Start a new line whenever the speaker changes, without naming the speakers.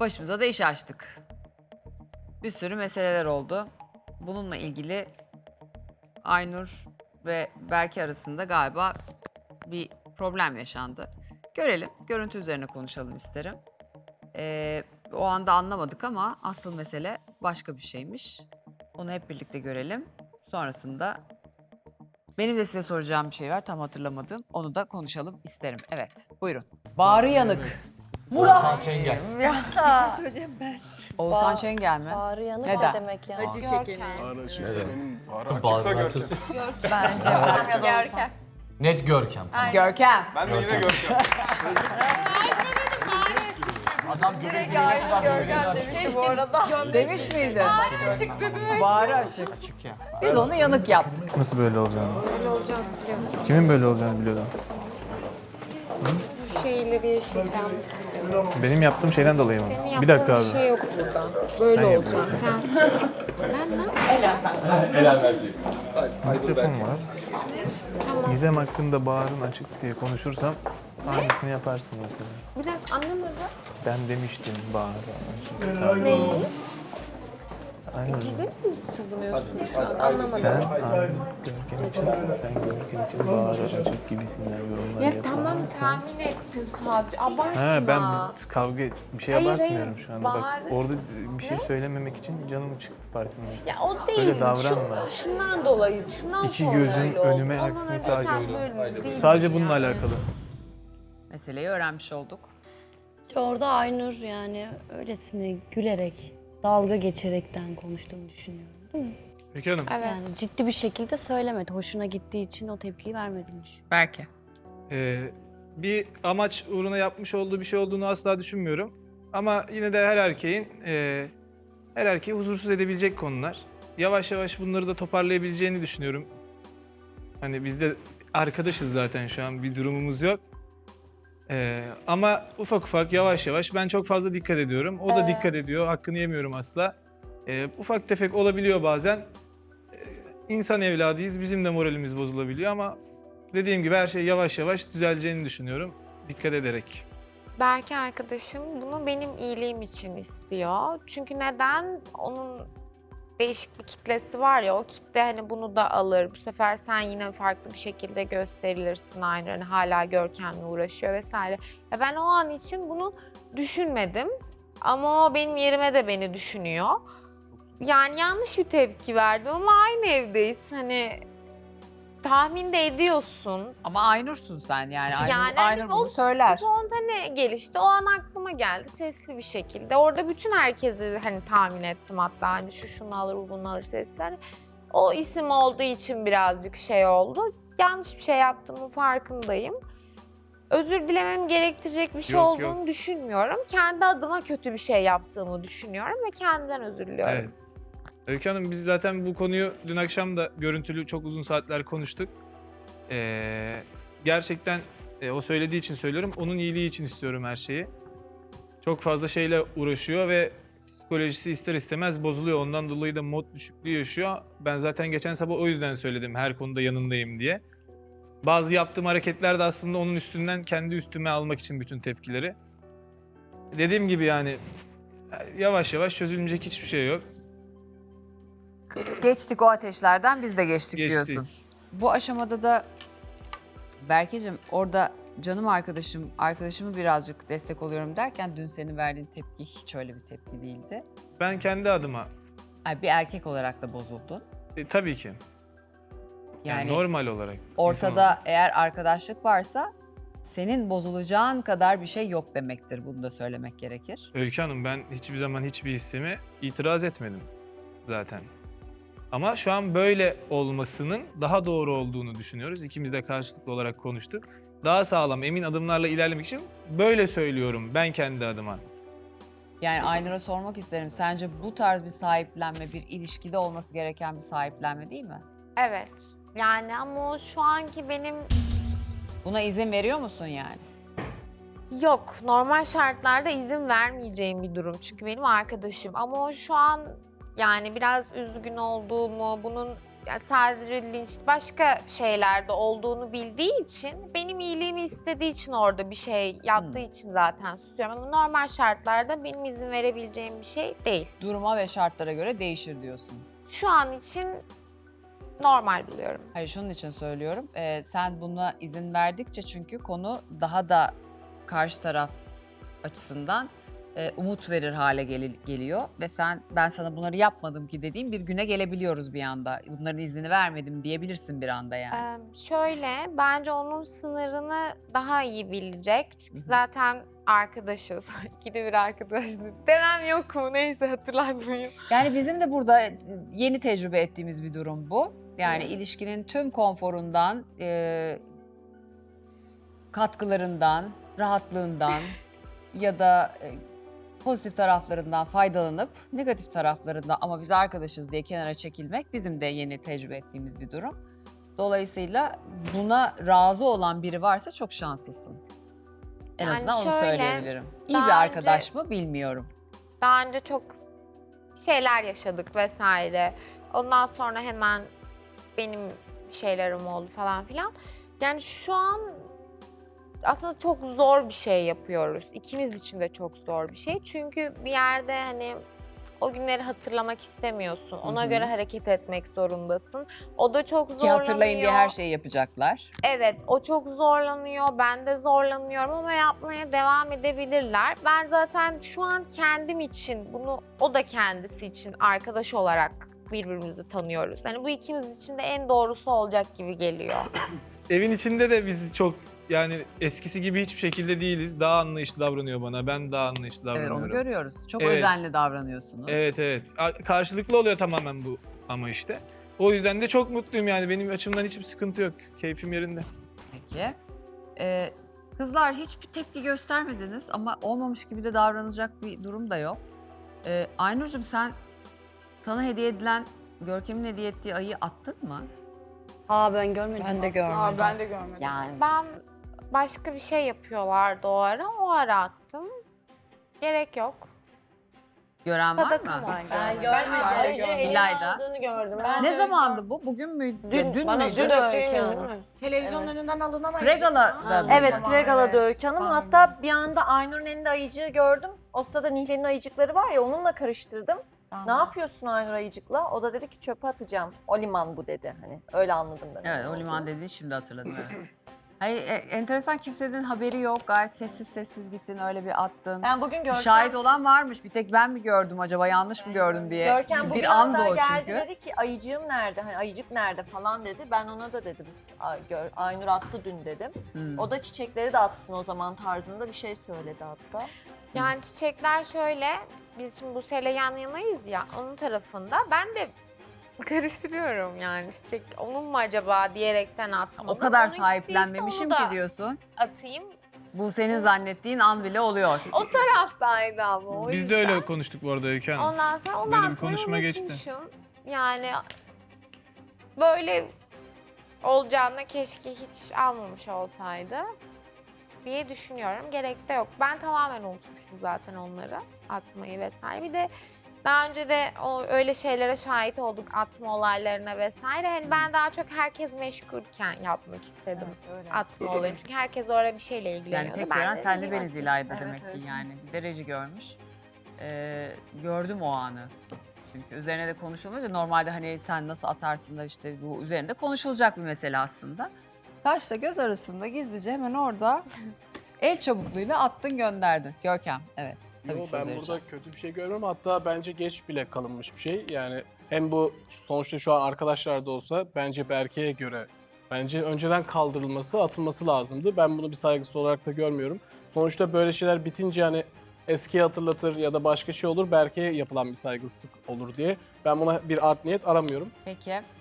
Başımıza da iş açtık. Bir sürü meseleler oldu. Bununla ilgili Aynur ve Berke arasında galiba bir problem yaşandı. Görelim, görüntü üzerine konuşalım isterim. O anda anlamadık ama asıl mesele başka bir şeymiş. Onu hep birlikte görelim. Sonrasında benim de size soracağım bir şey var, tam hatırlamadım. Onu da konuşalım isterim. Evet, buyurun. Bağrı yanık.
Murat Çengel.
Oğuzhan Şengel mi?
Bağrı yanık
Neden?
ne demek ya?
Acı çekeni.
Bağrı açılsın.
Görkem.
Net Görkem.
Görkem.
Ben de yine Görkem.
Adam Görkem
Keşke bu arada.
Demiş miydi?
Açık dedi.
Bağrı açık.
Açık ya.
Biz onu yanık yaptık.
Nasıl böyle olacağını?
Böyle olacağını biliyorum.
Kimin böyle olacağını biliyordun?
Bu şeyleri yaşayacağımızı biliyorum.
Benim yaptığım şeyden dolayı mı?
Senin
Bir dakika abi.
yaptığın bir şey yok burada. Böyle
Sen
olacak. Sen. Ben ne?
Mikrofon var. Gizem hakkında Bahar'ın açık diye konuşursam aynısını yaparsın mesela.
Bir dakika anlamadım.
Ben demiştim Bahar'a açık.
Neyi?
Aynen.
Gizem mi savunuyorsun şu an? Anlamadım.
Sen Görkem için, sen Görkem için Bahar'a açık gibisinden yorumlar
Ya
yapar
tamam
mısın?
tahmin ettim sadece. Abartma.
Ha ben bir şey
Hayır,
abartmıyorum
hayır.
şu anda. Bak
Bahar'ı-
orada bir şey söylememek için canım çıktı farkındaysan.
Ya o değil.
Öyle davranma.
Şundan dolayı, şundan
İki
sonra
gözün
öyle oldu.
önüme
Ondan
aksın
önce
sadece
sen
öyle.
böyle değildin
Sadece bununla
yani.
alakalı.
Meseleyi öğrenmiş olduk.
Orada Aynur yani öylesine gülerek, dalga geçerekten konuştuğunu düşünüyorum. Değil mi?
Peki Hanım.
Evet.
Yani ciddi bir şekilde söylemedi. Hoşuna gittiği için o tepkiyi vermediğini düşünüyorum.
Berke.
Bir amaç uğruna yapmış olduğu bir şey olduğunu asla düşünmüyorum. Ama yine de her erkeği huzursuz edebilecek konular. Yavaş yavaş bunları da toparlayabileceğini düşünüyorum. Hani biz de arkadaşız zaten şu an bir durumumuz yok. Ama ufak ufak yavaş yavaş ben çok fazla dikkat ediyorum. O da dikkat ediyor. Hakkını yemiyorum asla. Ufak tefek olabiliyor bazen. İnsan evladıyız. Bizim de moralimiz bozulabiliyor ama dediğim gibi her şey yavaş yavaş düzeleceğini düşünüyorum. Dikkat ederek.
Berke arkadaşım bunu benim iyiliğim için istiyor. Çünkü neden? Onun değişik bir kitlesi var ya, o kitle hani bunu da alır. Bu sefer sen yine farklı bir şekilde gösterilirsin aynı. Hani hala Görkem'le uğraşıyor vesaire. Ya ben o an için bunu düşünmedim. Ama o benim yerime de beni düşünüyor. Yani yanlış bir tepki verdim ama aynı evdeyiz. Hani tahmin de ediyorsun.
Ama Aynur'sun sen yani. Aynur,
Yani
Aynur
o
bunu söyler.
spontane gelişti. O an aklıma geldi sesli bir şekilde. Orada bütün herkesi hani tahmin ettim hatta hani şu şunu alır, bu bunu alır sesler. O isim olduğu için birazcık şey oldu. Yanlış bir şey yaptığımın farkındayım. Özür dilemem gerektirecek bir şey
Yok,
olduğunu düşünmüyorum. Kendi adıma kötü bir şey yaptığımı düşünüyorum ve kendimden özür diliyorum.
Evet. Öykü Hanım biz zaten bu konuyu dün akşam da görüntülü çok uzun saatler konuştuk. Gerçekten o söylediği için söylüyorum. Onun iyiliği için istiyorum her şeyi. Çok fazla şeyle uğraşıyor ve psikolojisi ister istemez bozuluyor. Ondan dolayı da mod düşüklüğü yaşıyor. Ben zaten geçen sabah o yüzden söyledim her konuda yanındayım diye. Bazı yaptığım hareketler de aslında onun üstünden kendi üstüme almak için bütün tepkileri. Dediğim gibi yani yavaş yavaş çözülmeyecek hiçbir şey yok.
Geçtik o ateşlerden, biz de geçtik
Geçtik.
diyorsun. Bu aşamada da Berkeciğim orada canım arkadaşımı birazcık destek oluyorum derken dün senin verdiğin tepki hiç öyle bir tepki değildi.
Ben kendi adıma
Yani bir erkek olarak da bozuldun.
tabii ki. Yani normal olarak.
Ortada eğer arkadaşlık varsa senin bozulacağın kadar bir şey yok demektir. Bunu da söylemek gerekir.
Öykü Hanım ben hiçbir zaman hiçbir hissime itiraz etmedim zaten. Ama şu an böyle olmasının daha doğru olduğunu düşünüyoruz. İkimiz de karşılıklı olarak konuştuk. Daha sağlam, emin adımlarla ilerlemek için böyle söylüyorum ben kendi adıma.
Yani Aynur'a sormak isterim. Sence bu tarz bir sahiplenme, bir ilişkide olması gereken bir sahiplenme değil mi?
Evet. Yani ama o şu anki benim
Buna izin veriyor musun yani?
yok. Normal şartlarda izin vermeyeceğim bir durum. Çünkü benim arkadaşım. Ama o şu an yani biraz üzgün olduğumu, bunun yani sadece linç başka şeylerde olduğunu bildiği için benim iyiliğimi istediği için orada bir şey yaptığı için zaten susuyorum. Ama normal şartlarda benim izin verebileceğim bir şey değil.
Duruma ve şartlara göre değişir diyorsun.
Şu an için normal buluyorum.
Hayır, şunun için söylüyorum. Sen buna izin verdikçe çünkü konu daha da karşı taraf açısından umut verir hale geliyor ve ben sana bunları yapmadım ki dediğim bir güne gelebiliyoruz bir anda. Bunların iznini vermedim diyebilirsin bir anda yani.
Şöyle, bence onun sınırını daha iyi bilecek. Çünkü zaten arkadaşız. İkide bir arkadaşız. Demem yok mu? Neyse hatırlatmayayım.
Yani bizim de burada yeni tecrübe ettiğimiz bir durum bu. Yani ilişkinin tüm konforundan, katkılarından, rahatlığından ya da pozitif taraflarından faydalanıp negatif taraflarından ama biz arkadaşız diye kenara çekilmek bizim de yeni tecrübe ettiğimiz bir durum. Dolayısıyla buna razı olan biri varsa çok şanslısın. En
Yani
azından onu
şöyle,
söyleyebilirim. İyi
daha
bir arkadaş
önce-
mı bilmiyorum.
Daha önce çok şeyler yaşadık vesaire. Ondan sonra hemen benim şeylerim oldu falan filan. Yani şu an aslında çok zor bir şey yapıyoruz. İkimiz için de çok zor bir şey. Çünkü bir yerde hani o günleri hatırlamak istemiyorsun. Ona göre hareket etmek zorundasın. O da çok
Ki
zorlanıyor.
hatırlayın diye her şeyi yapacaklar.
Evet, o çok zorlanıyor. Ben de zorlanıyorum ama yapmaya devam edebilirler. Ben zaten şu an kendim için bunu, o da kendisi için arkadaş olarak birbirimizi tanıyoruz. Hani bu ikimiz için de en doğrusu olacak gibi geliyor.
Evin içinde de biz çok yani eskisi gibi hiçbir şekilde değiliz. Daha anlayışlı davranıyor bana. Ben daha anlayışlı
Evet,
davranıyorum.
onu görüyoruz. Çok
Evet.
özenli davranıyorsunuz.
Evet evet. Karşılıklı oluyor tamamen bu ama işte. O yüzden de çok mutluyum yani. Benim açımdan hiçbir sıkıntı yok. Keyfim yerinde.
Peki. Kızlar hiçbir tepki göstermediniz ama olmamış gibi de davranacak bir durum da yok. Aynur'cum sen sana hediye edilen, Görkem'in hediye ettiği ayıyı attın mı?
Ben görmedim.
Ben de görmedim.
Ben de görmedim.
Yani ben başka bir şey yapıyorlardı o ara attım. Gerek yok.
Gören var
Sadaka
mı?
var.
Ben
Ben
görmedim.
ayrıca elime
İlayda.
aldığını gördüm.
Ne zamandı bu? Bugün müydü?
Dün, bana
müydü?
dün döktüğün gün değil mi?
Televizyonun önünden alınan
Pregala.
Evet, Pregala'da Öykü Hanım. Hatta bir anda Aynur'un elinde ayıcığı gördüm. O sırada Nihle'nin ayıcıkları var ya, onunla karıştırdım. Ne yapıyorsun Aynur ayıcıkla? O da dedi ki çöpe atacağım. O liman bu dedi. Hani öyle anladım ben.
Evet, o liman dediğini şimdi hatırladım. Evet. Hayır, enteresan, kimsenin haberi yok. Gayet sessiz sessiz gittin, öyle bir attın.
Ben bugün Görkem,
Şahit olan varmış. Bir tek ben mi gördüm acaba, yanlış mı gördüm diye.
Görkem bugün
bir andı
hatta
o
geldi
çünkü.
dedi ki ayıcığım nerede? Hani ayıcık nerede falan dedi. Ben ona da dedim. Aynur attı dün dedim. O da çiçekleri de atsın o zaman tarzında bir şey söyledi hatta.
Yani çiçekler şöyle, biz şimdi Buse'yle yan yanayız ya, onun tarafında. Ben de karıştırıyorum yani çiçek onun mu acaba diyerekten atmadım.
O kadar
Onunkisi
sahiplenmemişim
ise onu
ki
da
diyorsun.
atayım.
Bu senin zannettiğin an bile oluyor.
O taraftaydı ama o
Biz de
yüzden.
öyle konuştuk bu arada Öykü Hanım.
Ondan sonra onu
Böyle bir
atmayı
konuşma geçti.
unutmuşum. Yani böyle olacağına keşke hiç almamış olsaydı diye düşünüyorum. Gerek de yok. Ben tamamen unutmuşum zaten onları atmayı vesaire. Bir de daha önce de öyle şeylere şahit olduk, atma olaylarına vesaire. Hani ben daha çok herkes meşgulken yapmak istedim atma olayını. Çünkü herkes orada bir şeyle ilgileniyordu.
Yani tek
Ben
gören
de
senle
dedim,
beniz İlayda
Evet,
demek ki
evet.
yani. Bir derece görmüş. Gördüm o anı. Çünkü üzerine de konuşulmuyor. Normalde hani sen nasıl atarsın da işte bu üzerinde konuşulacak bir mesele aslında. Kaşla göz arasında gizlice hemen orada el çabukluğuyla attın gönderdin. Görkem, evet. Tabii
Yo,
ki söz
ben
vereceğim.
burada kötü bir şey görmüyorum. Hatta bence geç bile kalınmış bir şey. Yani hem bu sonuçta şu an arkadaşlar da olsa bence Berke'ye göre bence önceden kaldırılması, atılması lazımdı. Ben bunu bir saygısı olarak da görmüyorum. Sonuçta böyle şeyler bitince hani eskiyi hatırlatır ya da başka şey olur. Berke'ye yapılan bir saygısızlık olur diye. Ben buna bir art niyet aramıyorum.
Peki.